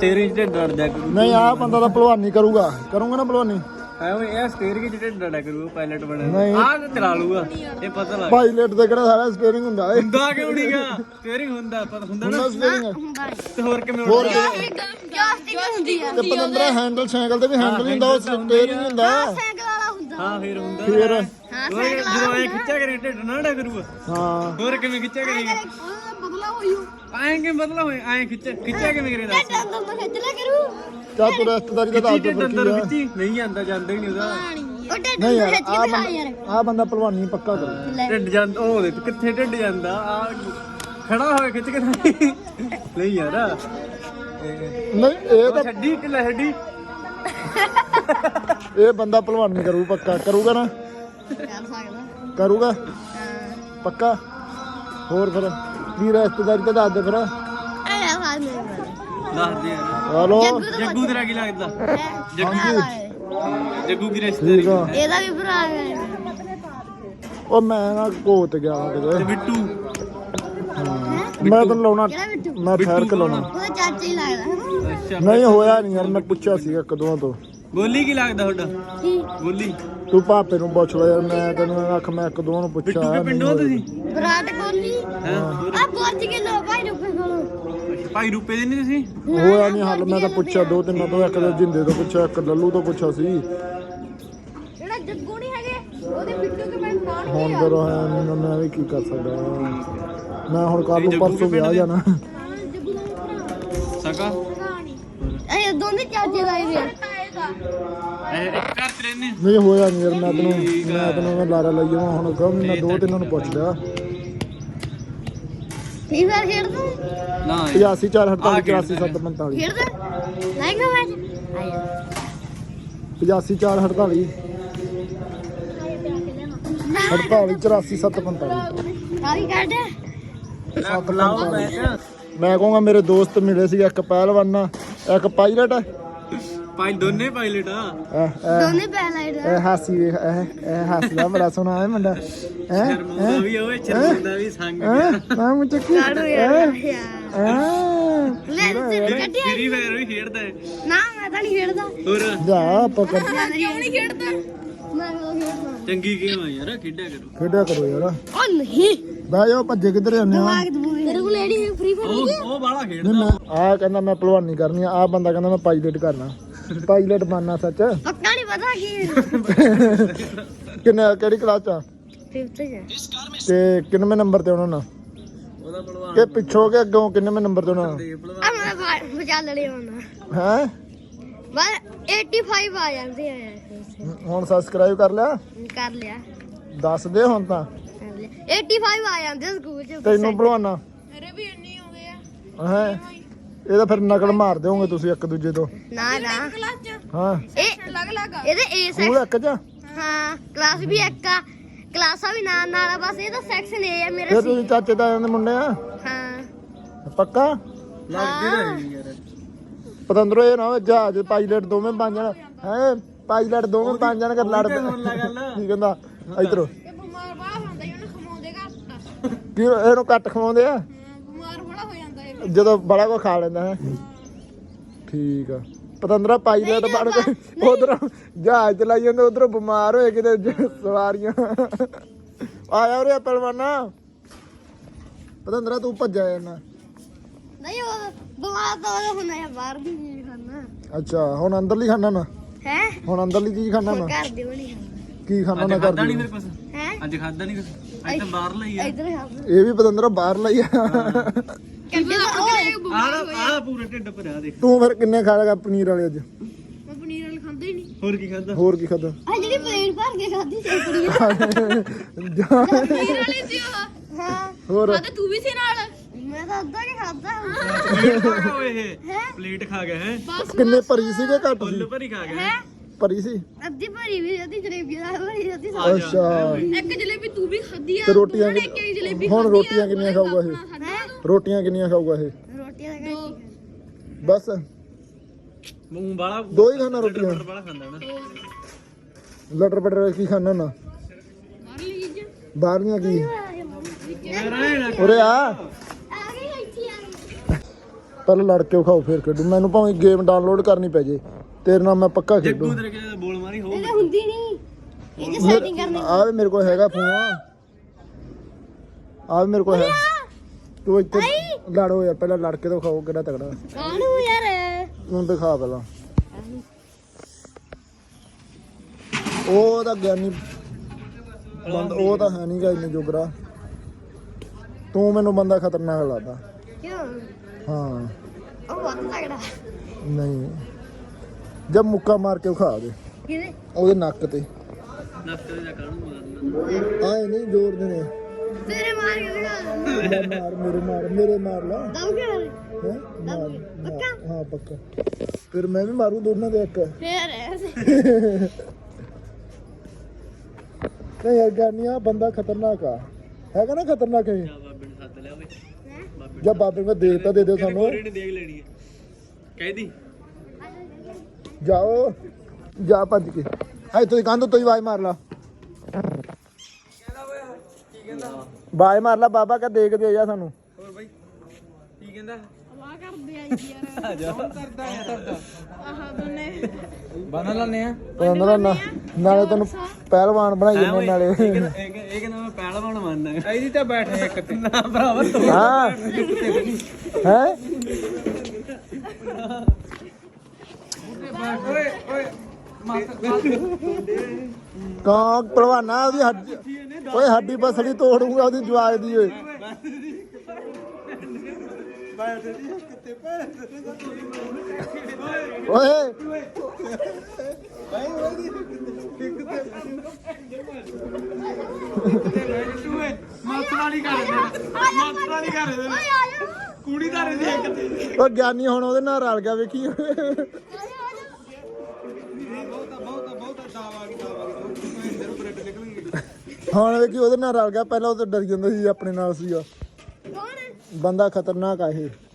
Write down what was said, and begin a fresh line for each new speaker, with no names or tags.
Steering ਤੇ ਡਰ ਜਾ
ਨਹੀਂ ਆ ਬੰਦਾ ਤਾਂ ਭਲਵਾਨੀ ਕਰੂਗਾ ਨਾ ਭਲਵਾਨੀ
ਐਵੇਂ ਇਹ ਸਟੀਅਰਿੰਗ ਤੇ ਡਰ ਕਰੂਗਾ ਪਾਇਲਟ ਬਣੇ
ਨਹੀਂ।
ਆਹ ਚਲਾ ਲੂਗਾ ਇਹ ਪਤਾ ਲੱਗ
ਪਾਇਲਟ ਤੇ ਕਿਹੜਾ ਸਾਰਾ ਸਟੀਅਰਿੰਗ ਹੁੰਦਾ ਏ
ਹੁੰਦਾ ਕਿਉਂ ਨਹੀਂਗਾ ਸਟੀਅਰਿੰਗ ਹੁੰਦਾ ਪਤਾ ਹੁੰਦਾ ਨਾ
ਸਟੀਅਰਿੰਗ
ਤੇ ਹੋਰ ਕਿਵੇਂ
ਹੋਰ
ਜੋਸਟਿਕ ਹੁੰਦੀ ਆ
ਤੇ 15 ਹੈਂਡਲ ਸਾਈਕਲ ਤੇ ਵੀ ਹੈਂਡਲ ਹੁੰਦਾ ਉਹ ਸਟੀਅਰਿੰਗ ਹੁੰਦਾ
ਸਾਈਕਲ ਵਾਲਾ ਹੁੰਦਾ
ਹਾਂ ਫੇਰ ਹੁੰਦਾ
ਫਿਰ
ਜਦੋਂ ਇਹ ਖਿੱਚਿਆ ਕਰੇ ਢਿੱਡ ਨਾ ਡਾ ਕਰੂਗਾ
ਹਾਂ
ਹੋਰ ਕਿਵੇਂ ਖਿੱਚਿਆ ਕਰੇਗਾ
ਬਦਲਾ ਹੋਈਓ
ਐਂ ਕਿਵੇਂ ਬਦਲਾ ਹੋਏ ਐਂ ਖਿੱਚਿਆ ਕਿਵੇਂ ਕਰੇ ਦੱਸ
ਦੰਦਾਂ ਤੋਂ ਖਿੱਚ ਲਿਆ ਕਰੂ
ਚਾ ਤੂੰ ਰਿਸ਼ਤੇਦਾਰੀ ਦਾ ਦੱਸ ਦੇ
ਢਿੱਡ ਅੰਦਰ ਖਿੱਚੀ ਨਹੀਂ ਜਾਂਦਾ ਜਾਂਦਾ ਹੀ ਨਹੀਂ ਉਹਦਾ
ਉਹ ਢਿੱਡ
ਨਹੀਂ
ਤੋਂ
ਯਾਰ
ਖਿੱਚ ਕੇ ਦਿਖਾ ਯਾਰ
ਆ ਬੰਦਾ ਭਲਵਾਨੀ ਪੱਕਾ ਕਰੂ
ਢਿੱਡ ਜਾਂਦਾ ਉਹ ਦੇਖ ਕਿੱਥੇ ਢਿੱਡ ਜਾਂਦਾ ਆ ਖੜਾ ਹੋਏ ਖਿੱਚ ਕੇ ਨਹੀਂ ਯਾਰ
ਨਹੀਂ ਇਹ ਤਾਂ
ਛੱਡੀ ਢਿੱਲਾ ਛੱਡੀ
ਇਹ ਬੰਦਾ ਭਲਵਾਨੀ ਕਰੂ ਪੱਕਾ ਕਰੂਗਾ ਨਾ
ਕਰ ਸਕਦਾ
ਕਰੂਗਾ ਪੱਕਾ ਹੋਰ ਫਿਰ ਕੀ ਰਿਸ਼ਤੇਦਾਰੀ ਤਾਂ ਦੱਸ ਦੇ ਫਿਰ
ਐ ਹਾਲ ਨਹੀਂ
ਦੱਸ ਦੇ ਯਾਰ
ਹਲੋ
ਜੱਗੂ ਤੇਰਾ ਕੀ ਲੱਗਦਾ ਜੱਗੂ ਕੀ
ਠੀਕ
ਰਿਸ਼ਤੇਦਾਰੀ
ਆ
ਇਹਦਾ ਵੀ ਭਰਾ ਹੈ
ਉਹ ਮੈਂ ਨਾ ਕੋਤ ਗਿਆ
ਤੇ
ਕਿਤੇ
ਬਿੱਟੂ
ਮੈਂ ਤਾਂ ਲਾਉਣਾ
ਕਿਹੜਾ ਬਿੱਟੂ
ਮੈਂ ਠਹਿਰ ਕੇ ਲਾਉਣਾ
ਉਹਦਾ ਚਾਚਾ ਹੀ ਲੱਗਦਾ
ਅੱਛਾ
ਨਹੀਂ ਹੋਇਆ ਨਹੀਂ ਯਾਰ ਮੈਂ ਪੁੱਛਿਆ ਸੀਗਾ ਕਦੋਂ ਤੋਂ
ਗੋਲੀ ਕੀ ਲੱਗਦਾ ਤੁਹਾਡਾ
ਕੀ
ਗੋਲੀ
ਤੂੰ ਭਾਪੇ ਨੂੰ ਪੁੱਛ ਲੈ ਯਾਰ ਮੈਂ ਤੈਨੂੰ ਆਖ ਮੈਂ ਕਦੋਂ ਨੂੰ
ਬਿੱਟੂ
ਪੁੱਛਿਆ
ਕੇ ਪਿੰਡੋਂ ਤੁਸੀਂ
ਵਿਰਾਟ ਕੋਹਲੀ
ਹਾਂ
ਆ ਪਹੁੰਚ ਕੇ ਲੋ ਭਾਈ ਰੁਪਏ ਕੋਲੋਂ
ਭਾਈ ਰੁਪਏ ਦੇ ਨਹੀਂ ਤੁਸੀਂ
ਹੋਇਆ ਨਹੀਂ ਹੱਲ ਮੈਂ ਤਾਂ ਪੁੱਛਿਆ ਦੋ ਤਿੰਨਾਂ ਤੋਂ ਇੱਕ ਜਿੰਦੇ ਤੋਂ ਪੁੱਛਿਆ ਇੱਕ ਲੱਲੂ ਤੋਂ ਪੁੱਛਿਆ ਸੀ
ਜਿਹੜਾ ਜੱਗੂ ਨਹੀਂ ਹੈਗੇ ਉਹਦੇ ਬਿੱਟੂ ਕੇ ਮੈਂ ਤਾਂ
ਹੁਣ ਫਿਰ ਮੈਂ ਵੀ ਕੀ ਕਰ ਸਕਦਾ ਮੈਂ ਹੁਣ ਕੱਲ ਨੂੰ ਪਰਸੋਂ ਵਿਆਹ ਜਾਣਾ
ਜੱਗੂ ਦਾ ਭਰਾ
ਸਕਾ
ਇਹ ਦੋਨੇ ਚਾਚੇ ਦਾ ਹੀ
ਇਹ ਘਰ ਚ ਰਹਿੰਦੇ
ਨਹੀਂ ਹੋਇਆ ਨਹੀਂ ਯਾਰ ਮੈਂ ਤੈਨੂੰ ਲਾਰਾ ਲਈ ਜਾਵਾਂ ਹੁਣ ਕਹੂੰ ਮੈਂ ਦੋ ਤਿੰਨਾਂ ਨੂੰ ਪੁੱਛ ਲਿਆ
ਫੀ ਵਾਰ ਖੇਡਦਾ
ਨਾ
85 4 48 84 7 45
ਖੇਡਦਾ ਲਾਏਗਾ ਮੈਚ ਆਇਆ
85 4 48 48 84 7 45
ਕਾਹੀ ਕੱਢ
ਲਾਓ ਮੈਚ
ਮੈਂ ਕਹੂੰਗਾ ਮੇਰੇ ਦੋਸਤ ਮਿਲੇ ਸੀ ਇੱਕ ਪਹਿਲਵਾਨ ਇੱਕ ਪਾਇਲਟ
ਭਾਈ ਦੋਨੇ ਪਾਇਲਟ ਆ
ਦੋਨੇ ਪਹਿਲਾਈਟ
ਇਹ ਹਾਸੀ ਵੇਖ ਇਹ ਹੱਸਦਾ ਬੜਾ ਸੋਹਣਾ ਹੈ ਮੁੰਡਾ
ਸ਼ਰਮੁੰਦਾ ਵੀ ਓਏ ਸ਼ਰਮੁੰਦਾ ਵੀ ਸੰਗ
ਮੈਂ ਮੁੰਡਾ ਕੀ
ਕਾੜੂ ਯਾਰ ਲੈ ਤੇ ਕੱਢਿਆ
ਫਰੀ ਫਾਇਰ ਵੀ ਖੇਡਦਾ ਹੈ
ਨਾ ਮੈਂ ਤਾਂ ਨਹੀਂ ਖੇਡਦਾ
ਹੋਰ
ਜਾ ਆਪਾਂ ਕਰ
ਕਿਉਂ ਨਹੀਂ ਖੇਡਦਾ ਮੈਂ ਉਹ ਖੇਡਦਾ
ਚੰਗੀ ਗੇਮ ਆ ਯਾਰ ਖੇਡਿਆ ਕਰੋ
ਖੇਡਿਆ ਕਰੋ ਯਾਰ
ਉਹ ਨਹੀਂ
ਬਹਿ ਜਾਓ ਭੱਜੇ ਕਿੱਧਰ ਜਾਂਦੇ ਆ
ਦਿਮਾਗ ਦਬੂਗੇ ਤੇਰੇ ਕੋਲ ਐਡੀ ਫ੍ਰੀ ਫਾਇਰ
ਉਹ ਬਾਲਾ
ਨਹੀਂ
ਖੇਡਦਾ
ਮੈਂ ਆ ਕਹਿੰਦਾ ਮੈਂ ਭਲਵਾਨੀ ਕਰਨੀ ਆ ਬੰਦਾ ਕਹਿੰਦਾ ਮੈਂ ਪਾਇਲਟ ਕਰਨਾ ਪਾਇਲਟ ਬਣਨਾ ਸੱਚ
ਪੱਕਾ ਨਹੀਂ ਪਤਾ ਕੀ
ਕਿਹੜੀ ਕਲਾਸ ਚ ਆ?
5th ਚ
ਤੇ ਕਿੰਨਵੇਂ ਨੰਬਰ ਤੇ ਉਹਨਾਂ ਨਾਲ
ਉਹਦਾ ਭਲਵਾਨ
ਕਿ ਪਿੱਛੋਂ ਕਿ ਅੱਗੋਂ ਕਿੰਨਵੇਂ ਨੰਬਰ ਤੇ ਉਹਨਾਂ
ਦੇ ਭਲਵਾਨ
ਆ ਮੈਂ ਬਚਾ ਲੜੇ ਹੁਣ
ਹੈ
ਬਸ 85 ਆ ਜਾਂਦੇ ਆ ਯਾਰ
ਹੁਣ ਸਬਸਕ੍ਰਾਈਬ ਕਰ ਲਿਆ
ਕਰ ਲਿਆ
ਦੱਸ ਦੇ ਹੁਣ ਤਾਂ
ਕਰ ਲਿਆ 85 ਆ ਜਾਂਦੇ ਆ ਸਕੂਲ ਚ
ਤੈਨੂੰ ਭਲਵਾਨਾ
ਮੇਰੇ ਵੀ ਇੰਨੇ ਹੋ ਗਏ ਆ
ਹੈ ਇਹਦਾ ਫਿਰ ਨਕਲ ਮਾਰ ਦਿਓਗੇ ਤੁਸੀਂ ਇੱਕ ਦੂਜੇ ਤੋਂ
ਨਾ ਨਾ ਕਲਾਸ ਚ
ਹਾਂ
ਇਹ ਅਲੱਗ ਅਲੱਗ ਇਹਦੇ ਏ
ਸਕੂਲ ਇੱਕ ਚ
ਹਾਂ ਕਲਾਸ ਵੀ ਇੱਕ ਆ ਕਲਾਸਾਂ ਵੀ ਨਾਲ ਨਾਲ ਆ ਬਸ ਇਹਦਾ ਸੈਕਸ਼ਨ ਏ ਆ
ਫਿਰ
ਮੇਰਾ
ਤੁਸੀਂ ਚਾਚੇ ਤਾਇਆਂ ਦੇ ਮੁੰਡੇ ਆ
ਹਾਂ
ਪੱਕਾ
ਲੱਗਦੇ ਰਹੇ ਯਾਰ
ਪਤੰਦਰੋ ਇਹ ਨਾ ਹੋਵੇ ਜਹਾਜ਼ ਪਾਇਲਟ ਦੋਵੇਂ ਬਣ ਜਾਣ ਹੈ ਪਾਇਲਟ ਦੋਵੇਂ ਬਣ ਜਾਣ ਕਰ ਲੜ
ਸੁਣ ਲੈ ਗੱਲ
ਕੀ ਕਹਿੰਦਾ ਇਧਰੋਂ
ਇਹ ਬਿਮਾਰ ਬੜਾ ਹੁੰਦਾ ਇਹਨੂੰ ਖਮਾਉਂਦੇ ਘੱਟ
ਕੀ ਇਹਨੂੰ ਕੱਟ ਖਵਾਉਂਦੇ ਆ
ਬਿਮਾਰ ਬੜਾ ਹੋ ਜਾਂਦਾ ਇਹ
ਜਦੋਂ ਬੜਾ ਕੋ ਖਾ ਲੈਂਦਾ ਹੈ ਠੀਕ ਆ ਪਤੰਦਰਾ ਪਾਇਲਟ ਬਣ ਕੇ ਉਧਰੋਂ ਜਹਾਜ਼ ਚਲਾਈ ਜਾਂਦੇ ਉਧਰੋਂ ਬਿਮਾਰ ਹੋਏ ਕਿਤੇ ਸਵਾਰੀਆਂ ਆਇਆ ਉਰੇ ਪਹਿਲਵਾਨਾ ਪਤੰਦਰਾ ਤੂੰ ਭੱਜਿਆ ਜਾਂਦਾ
ਨਹੀਂ ਉਹ ਬਿਮਾਰ ਤਾਂ ਉਹ ਹੁੰਦਾ ਹੈ ਬਾਹਰ ਦੀ ਚੀਜ਼ ਖਾਣਾ
ਅੱਛਾ ਹੁਣ ਅੰਦਰਲੀ ਖਾਣਾ ਨਾ
ਹੈ
ਹੁਣ ਅੰਦਰਲੀ ਚੀਜ਼ ਖਾਣਾ ਨਾ
ਘਰ ਦੇ ਬਣੀ ਖਾਣਾ
ਕੀ ਖਾਣਾ ਨਾ
ਅੱਜ ਖਾਦਾ ਨਹੀਂ
ਕਰਦੀ
ਫਿਰ ਕੁਛ
ਹੈ
ਅੱਜ ਖਾਦਾ ਨਹੀਂ ਕੁਛ ਅੱਜ ਤਾਂ ਬਾਹਰ ਲਈ ਆ
ਇਧਰ ਖਾਣਾ
ਇਹ ਵੀ ਪਤੰਦਰਾ ਬਾਹਰ ਲਈ ਆ
ਕਿੱਡੇ ਓਏ
ਆਹ ਪੂਰਾ ਢਿੱਡ ਭਰਿਆ ਦੇਖ
ਤੂੰ ਫਿਰ ਕਿੰਨੇ ਖਾ ਲਗਾ ਪਨੀਰ ਵਾਲੇ ਅੱਜ
ਮੈਂ ਪਨੀਰ ਵਾਲ ਖਾਂਦਾ ਹੀ ਨਹੀਂ
ਹੋਰ ਕੀ ਖਾਦਾ
ਹੋਰ ਕੀ ਖਾਦਾ
ਆ ਜਿਹੜੀ ਪਲੇਟ ਭਰ ਕੇ ਖਾਦੀ ਸੀ ਪਨੀਰ ਵਾਲੀ ਸੀ ਉਹ ਹਾਂ
ਹੋਰ
ਤੂੰ ਵੀ ਸੀ ਨਾਲ ਮੈਂ ਤਾਂ ਅੱਧਾ ਕੇ ਖਾਦਾ
ਪਲੇਟ ਖਾ ਗਿਆ ਓਏ ਇਹ ਪਲੇਟ ਖਾ ਗਿਆ ਹੈ
ਕਿੰਨੇ ਭਰੀ ਸੀਗੇ ਘੱਟ
ਫੁੱਲ
ਸੀ
ਭਰੀ ਖਾ ਗਿਆ
ਹੈ
ਭਰੀ ਸੀ
ਅੱਧੀ ਭਰੀ ਵੀ ਅੱਧੀ ਜਲੇਬੀ ਦਾ ਭਰੀ ਅੱਧੀ
ਅੱਛਾ
ਇੱਕ ਜਲੇਬੀ ਤੂੰ ਵੀ ਖਾਦੀ ਆ
ਤੇ ਰੋਟੀਆਂ
ਜਲੇਬੀ
ਹੁਣ ਰੋਟੀਆਂ ਕਿੰਨੀਆਂ ਖਾਊਗਾ ਇਹ ਰੋਟੀਆਂ ਕਿੰਨੀਆਂ ਖਾਊਗਾ ਇਹ
ਰੋਟੀਆਂ ਦਾ
ਬਸ
ਮੂੰਹ ਬਾਲਾ
ਦੋ ਹੀ ਖਾਣਾ ਰੋਟੀਆਂ
ਬਾਲਾ ਖਾਂਦਾ ਨਾ
ਲਟਰ ਪਟਰ ਕੀ ਖਾਣਾ ਨਾ ਬਾਹਰਲੀਆਂ ਕੀ
ਰਹਿਣਾ
ਉਰੇ ਆ
ਆ ਗਈ ਇੱਥੇ ਆ ਗਈ
ਪਹਿਲਾਂ ਲੜ ਕੇ ਵਿਖਾਓ ਫਿਰ ਖੇਡੂ ਮੈਨੂੰ ਭਾਵੇਂ ਗੇਮ ਡਾਊਨਲੋਡ ਕਰਨੀ ਪੈ ਜੇ ਤੇਰੇ ਨਾਲ ਮੈਂ ਪੱਕਾ ਖੇਡੂ
ਜੱਗੂ ਤੇਰੇ ਕਿਤੇ ਬੋਲ ਮਾਰੀ ਹੋ
ਇਹ ਹੁੰਦੀ ਨਹੀਂ ਇਹ ਜੇ ਸੈਟਿੰਗ ਕਰਨੀ
ਆ ਵੀ ਮੇਰੇ ਕੋਲ ਹੈਗਾ ਫੋਨ ਆ ਵੀ ਮੇਰੇ ਕੋਲ ਹੈ ਤੂੰ ਇੱਥੇ ਲੜੋ ਯਾਰ ਪਹਿਲਾਂ ਲੜ ਕੇ ਤਾਂ ਵਿਖਾਓ ਕਿਹੜਾ ਤਗੜਾ
ਕਾਹਨੂੰ ਯਾਰ
ਤੂੰ ਦਿਖਾ ਪਹਿਲਾਂ ਉਹ ਤਾਂ ਗਿਆਨੀ ਉਹ ਤਾਂ ਹੈ ਨਹੀਂ ਗਾ ਇੰਨੇ ਜੋਗਰਾ ਤੂੰ ਮੈਨੂੰ ਬੰਦਾ ਖਤਰਨਾਕ ਲੱਗਦਾ
ਕਿਉਂ
ਹਾਂ
ਉਹ ਬਹੁਤ ਤਗੜਾ
ਨਹੀਂ ਜਦ ਮੁੱਕਾ ਮਾਰ ਕੇ ਵਿਖਾ ਦੇ
ਕਿਹਦੇ
ਉਹਦੇ ਨੱਕ ਤੇ
ਨੱਕ ਤੇ ਜਾ ਕਾਹਨੂੰ ਮਾਰਨਾ
ਆਏ ਨਹੀਂ ਜ਼ੋਰ ਦੇ ਨੇ
ਤੇਰੇ ਮਾਰ ਕੇ ਦਿਖਾ
ਮੇਰੇ ਮਾਰ ਲਾ
ਦਮ ਕੇ
ਹੈਂ? ਮਾਰ ਹਾਂ ਪੱਕਾ ਫਿਰ ਮੈਂ ਵੀ ਮਾਰੂ ਦੋਨਾਂ ਦੇ ਇੱਕ
ਫੇਰ ਐਸੇ
ਨਹੀਂ ਯਾਰ ਗਾਨੀਆਂ ਬੰਦਾ ਖਤਰਨਾਕ ਆ ਹੈਗਾ ਨਾ ਖਤਰਨਾਕ ਇਹ
ਬਾਬੇ ਨੂੰ ਸੱਦ ਲਿਆ ਓਏ
ਜਦ ਬਾਬੇ ਨੂੰ ਦੇ ਤਾਂ ਦੇ ਦਿਓ ਸਾਨੂੰ
ਗੋਰੀ ਨੇ ਦੇਖ ਲੈਣੀ ਹੈ ਕਹਿਦੀ
ਜਾਓ ਜਾ ਭੱਜ ਕੇ ਹਾਏ ਤੁਸੀਂ ਕੰਧ ਤੋਂ ਹੀ ਆਵਾਜ਼ ਮਾਰ ਲਾ ਆਵਾਜ਼ ਮਾਰ ਲਾ ਬਾਬਾ ਕਹ ਦੇਖਦੇ ਜਾ ਸਾਨੂੰ
ਹੋਰ ਬਾਈ ਕੀ ਕਹਿੰਦਾ
ਵਾਹ ਕਰਦੇ ਆ ਯਾਰ
ਆ ਜਾ ਕਰਦਾ
ਆਹ ਦੋਨੇ
ਬਣਾ ਲੈਣੇ ਆ
ਪੰਦਰਾਂ ਨਾਲੇ ਤੈਨੂੰ ਪਹਿਲਵਾਨ ਬਣਾਈ ਜਾਂਦੇ ਨਾਲੇ
ਇਹ ਕਹਿੰਦਾ ਮੈਂ ਪਹਿਲਵਾਨ ਮੰਨਦਾ ਇਹਦੀ ਤਾਂ ਬੈਠ ਇੱਕ ਤੇ ਨਾ ਭਰਾਵਾ ਤੂੰ
ਹਾਂ ਹੈ
ਓਏ ਓਏ
ਕਾਂ ਪਹਿਲਵਾਨਾ ਉਹਦੀ ਹੱਡੀ ਓਏ ਹੱਡੀ ਬਸੜੀ ਤੋੜੂਗਾ ਉਹਦੀ ਜਵਾਜ ਦੀ ਓਏ ਓਏ
ਮਾਤਰਾਲੀ ਕਰ ਦੇ ਮਾਤਰਾਲੀ ਕਰ ਦੇ ਕੁੜੀ ਦਾ ਰੇ ਦੇਖ ਤੇ
ਉਹ ਗਿਆਨੀ ਹੁਣ ਉਹਦੇ ਨਾਲ ਰਲ ਗਿਆ ਵੇਖੀ ਹੁਣ ਵੇਖੀ ਉਹਦੇ ਨਾਲ ਰਲ ਗਿਆ ਪਹਿਲਾਂ ਉਹ ਤਾਂ ਡਰ ਜਾਂਦਾ ਸੀ ਆਪਣੇ ਨਾਲ ਸੀਗਾ
ਕੌਣ
ਬੰਦਾ ਖਤਰਨਾਕ ਆ ਇਹ